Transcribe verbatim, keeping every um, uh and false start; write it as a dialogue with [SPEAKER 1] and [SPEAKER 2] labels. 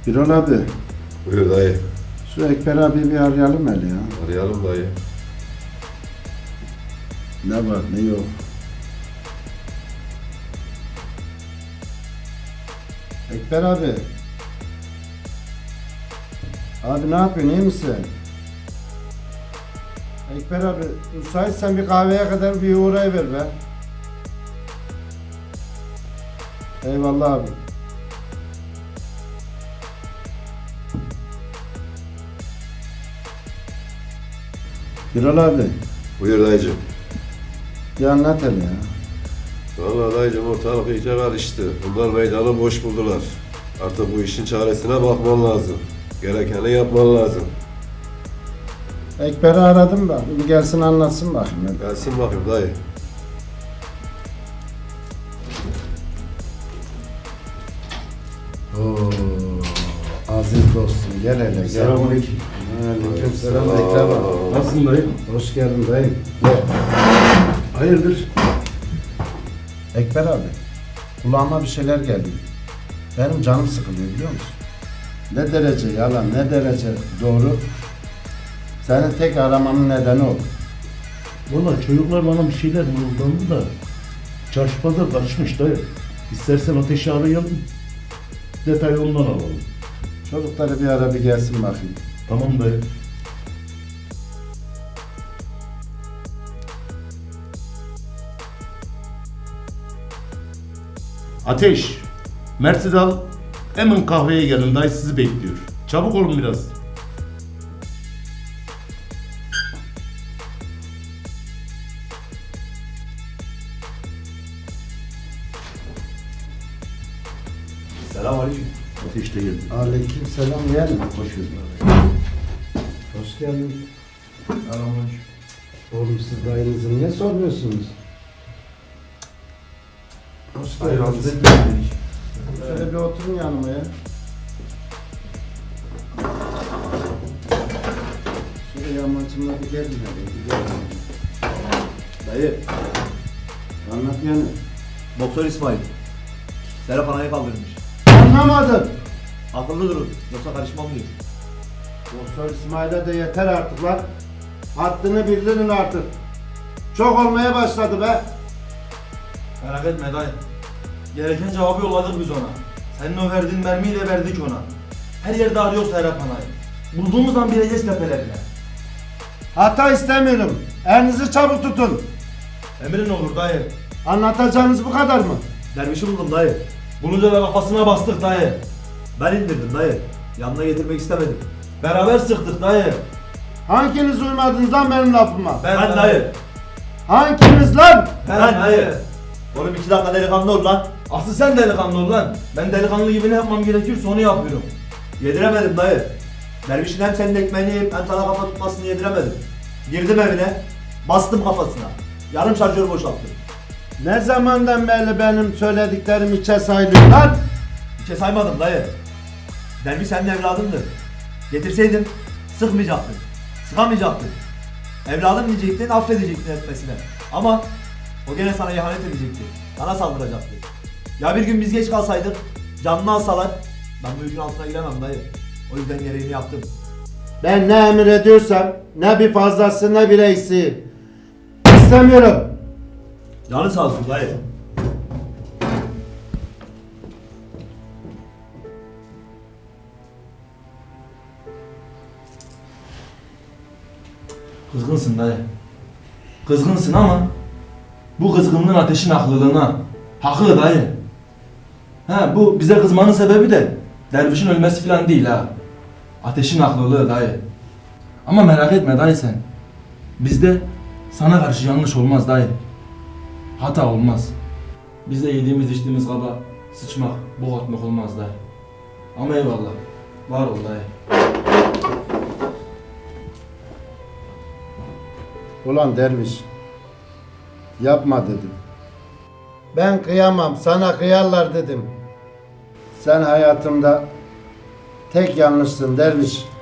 [SPEAKER 1] Birol abi,
[SPEAKER 2] Buyur dayı.
[SPEAKER 1] şu Ekber abi bir arayalım hele ya.
[SPEAKER 2] Arayalım dayı.
[SPEAKER 1] Ne var ne yok. Ekber abi. Abi ne yapıyorsun, iyi misin? Ekber abi, müsaitsen bir kahveye kadar bir uğrayıver be. Eyvallah abi. Birol abi,
[SPEAKER 2] Buyur dayıcım.
[SPEAKER 1] bir anlat hele ya.
[SPEAKER 2] Vallahi dayıcım ortalık iyice karıştı. Bunlar meydanı boş buldular. Artık bu işin çaresine bakman lazım. Gerekeni yapman lazım.
[SPEAKER 1] Ekber'i aradım da, bir gelsin anlatsın bakayım. hadi.
[SPEAKER 2] Gelsin bakayım dayı.
[SPEAKER 1] Oo, aziz dostum, gel hele gel.
[SPEAKER 3] Selamünaleyküm.
[SPEAKER 1] Aleyküm selam Ekrem abi.
[SPEAKER 3] Nasılsın dayı?
[SPEAKER 1] Hoş geldin dayı. Gel.
[SPEAKER 3] Hayırdır?
[SPEAKER 1] Ekber abi, kulağıma bir şeyler geliyor. Benim canım sıkılıyor biliyor musun? Ne derece yalan, ne derece doğru. Seni tek aramamın nedeni o.
[SPEAKER 3] Valla çocuklar bana bir şeyler mırıldandı da çarşı pazar karışmış dayı. İstersen ateşi arayalım. Detayı ondan alalım.
[SPEAKER 1] Çocukları bir ara bir gelsin bakayım.
[SPEAKER 3] Tamam dayı. Ateş. Mert'i al. Hemen kahveye gelin, dayı sizi bekliyor. Çabuk olun biraz.
[SPEAKER 4] Selamünaleyküm.
[SPEAKER 3] Ateş de geldi.
[SPEAKER 1] Aleyküm selam yeğenim.
[SPEAKER 3] Hoş geldin.
[SPEAKER 1] Hoş geldin.
[SPEAKER 4] Selamünaleyküm.
[SPEAKER 1] Oğlum siz dayınızı niye sormuyorsunuz? Hoş
[SPEAKER 4] Hayır,
[SPEAKER 1] geldiniz.
[SPEAKER 4] rahatsız etmedik.
[SPEAKER 1] Şöyle bir oturun yanıma ya. Şöyle yamacımla bir gelin hadi. Bir gelin.
[SPEAKER 4] Dayı,
[SPEAKER 1] Anlat yani.
[SPEAKER 4] Doktor İsmail. Serap Ana'yı kaldırmış.
[SPEAKER 1] Anlamadım.
[SPEAKER 4] Akıllı durun, yoksa karışmam diyor.
[SPEAKER 1] Doktor İsmail'e de yeter artık lan. Haddini bildirin artık. Çok olmaya başladı be.
[SPEAKER 5] Merak etme dayı. Gereken cevabı yolladık biz ona. Senin o verdiğin mermiyi de verdik ona. Her yerde arıyoruz Serap Ana'yı. Bulduğumuz an bileceğiz tepelerine.
[SPEAKER 1] Hata istemiyorum. Elinizi çabuk tutun.
[SPEAKER 5] Emrin olur dayı.
[SPEAKER 1] Anlatacağınız bu kadar mı?
[SPEAKER 4] Dervişi buldum dayı.
[SPEAKER 5] Bulunca da kafasına bastık dayı.
[SPEAKER 4] Ben indirdim dayı. Yanına getirmek istemedim.
[SPEAKER 5] Beraber sıktık dayı.
[SPEAKER 1] Hanginiz uymadınız lan benim lafıma?
[SPEAKER 5] Ben,
[SPEAKER 4] Ben dayı.
[SPEAKER 1] Hanginiz lan?
[SPEAKER 5] Ben,
[SPEAKER 4] Ben
[SPEAKER 5] dayı.
[SPEAKER 4] dayı. Oğlum iki dakika delikanlı ol lan.
[SPEAKER 5] Aslı sen delikanlı ol lan. Ben delikanlı gibi ne yapmam gerekiyorsa onu yapıyorum.
[SPEAKER 4] Yediremedim dayı. Dervişin hem senin ekmeğini yiyip hem sana kafa tutmasını yediremedim. Girdim evine, bastım kafasına. Yarım şarjör boşalttım.
[SPEAKER 1] Ne zamandan beri benim söylediklerim içe sayılıyor lan?
[SPEAKER 4] Bir şey saymadım dayı. Derviş senin evladındır. Getirseydim sıkmayacaktın. Sıkamayacaktın. Evladım diyecektin, affedecektin etmesine. Ama o gene sana ihanet edecekti. Sana saldıracaktı. Ya bir gün biz geç kalsaydık, canını alsalar, ben bu yükün altına giremem dayı. O yüzden gereğini yaptım.
[SPEAKER 1] Ben ne emir ediyorsam ne bir fazlası ne bir eksiği istemiyorum.
[SPEAKER 4] Canı sağ olsun dayı.
[SPEAKER 5] Kızgınsın dayı. Kızgınsın ama bu kızgınlığın ateşin haklılığına. Haklı dayı. Ha, bu bize kızmanın sebebi de dervişin ölmesi falan değil ha. Ateşin haklılığı dayı. Ama merak etme dayı sen. Bizde sana karşı yanlış olmaz dayı. Hata olmaz. Bizde yediğimiz içtiğimiz kaba sıçmak, bok atmak olmaz dayı. Ama eyvallah. Var ol dayı.
[SPEAKER 1] Ulan derviş, yapma dedim. Ben kıyamam, sana kıyarlar dedim. Sen hayatımda tek yanlışsın derviş.